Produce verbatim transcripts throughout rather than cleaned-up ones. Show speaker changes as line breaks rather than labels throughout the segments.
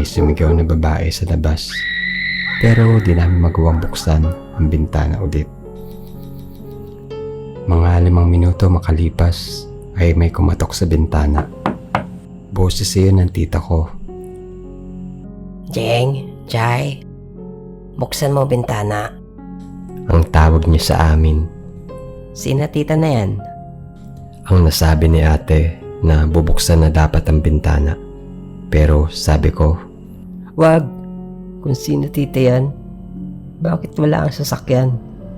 may sumigaw na babae sa labas. Pero di namin magawang buksan ang bintana ulit. Mga limang minuto makalipas ay may kumatok sa bintana. Boses iyon ng tita ko.
Jeng, Jai, buksan mo bintana.
Ang tawag niya sa amin.
Sina tita na yan?
Ang nasabi ni ate na bubuksan na dapat ang bintana. Pero sabi ko,
Wag, kung sino tita yan, bakit wala ang sasakyan?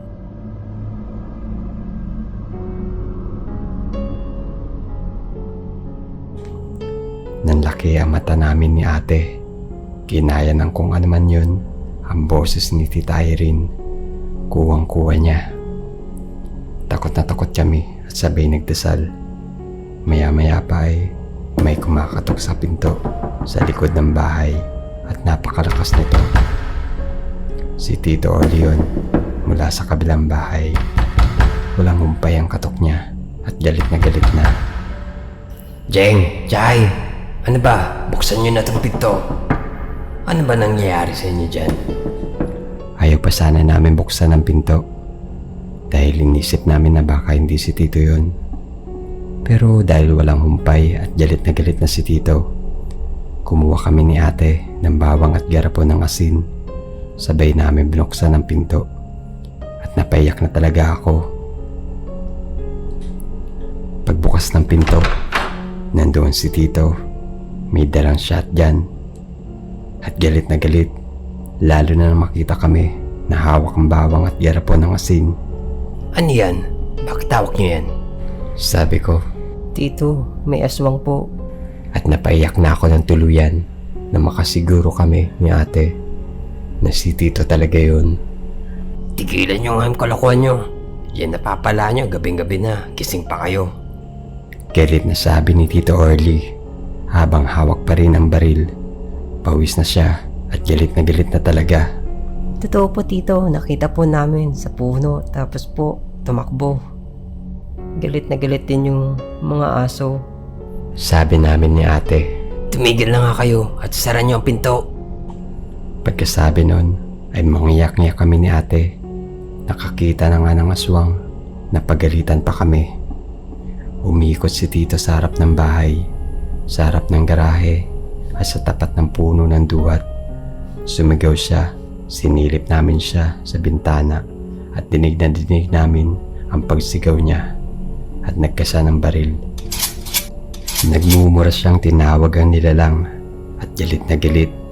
nanlaki ang mata namin ni ate. Kinaya ng kung ano man yun, ang boses ni Tita Irene. Kuwang-kuwa niya. Takot na takot kami at sabay nagdasal. Maya-maya pa ay may kumakatok sa pinto sa likod ng bahay at napakalakas nito. Si Tito Orleon mula sa kabilang bahay. Walang humpay ang katok niya at galit na galit na.
Jeng, Jai, ano ba? Buksan nyo na itong pinto. Ano ba nangyayari sa inyo dyan?
Ayaw pa sana namin buksan ang pinto dahil inisip namin na baka hindi si Tito yun. Pero dahil walang humpay at galit na galit na si Tito, kumuha kami ni ate ng bawang at garapon ng asin. Sabay namin binuksan ang pinto at napaiyak na talaga ako. Pagbukas ng pinto, nandoon si Tito. May dalang shotgun at galit na galit, lalo na nang makita kami na hawak ang bawang at garapon ng asin.
Ano yan? Bakit tawag nyo yan?
Sabi ko,
Tito, may aswang po.
at napaiyak na ako ng tuluyan na makasiguro kami ni ate na si Tito talaga yun.
Tigilan nyo nga yung kalokohan nyo. Yan napapala nyo, gabing-gabi na, gising pa kayo.
Galit na sabi ni Tito Orly habang hawak pa rin ang baril. Pawis na siya at galit na galit na talaga.
Totoo po tito, nakita po namin sa puno tapos po tumakbo. Galit na galit din yung mga aso.
Sabi namin ni ate.
Tumigil na nga kayo at sara nyo ang pinto.
Pagkasabi nun ay mangiyak-ngiyak kami ni ate. Nakakita na nga ng aswang. Napagalitan pa kami. Umikot si Tito sa harap ng bahay, sa harap ng garahe at sa tapat ng puno ng duwat. Sumigaw siya. Sinilip namin siya sa bintana at dinig na dinig namin ang pagsigaw niya at nagkasa ng baril. Nagmumura siyang tinawag ang nilalang at galit na galit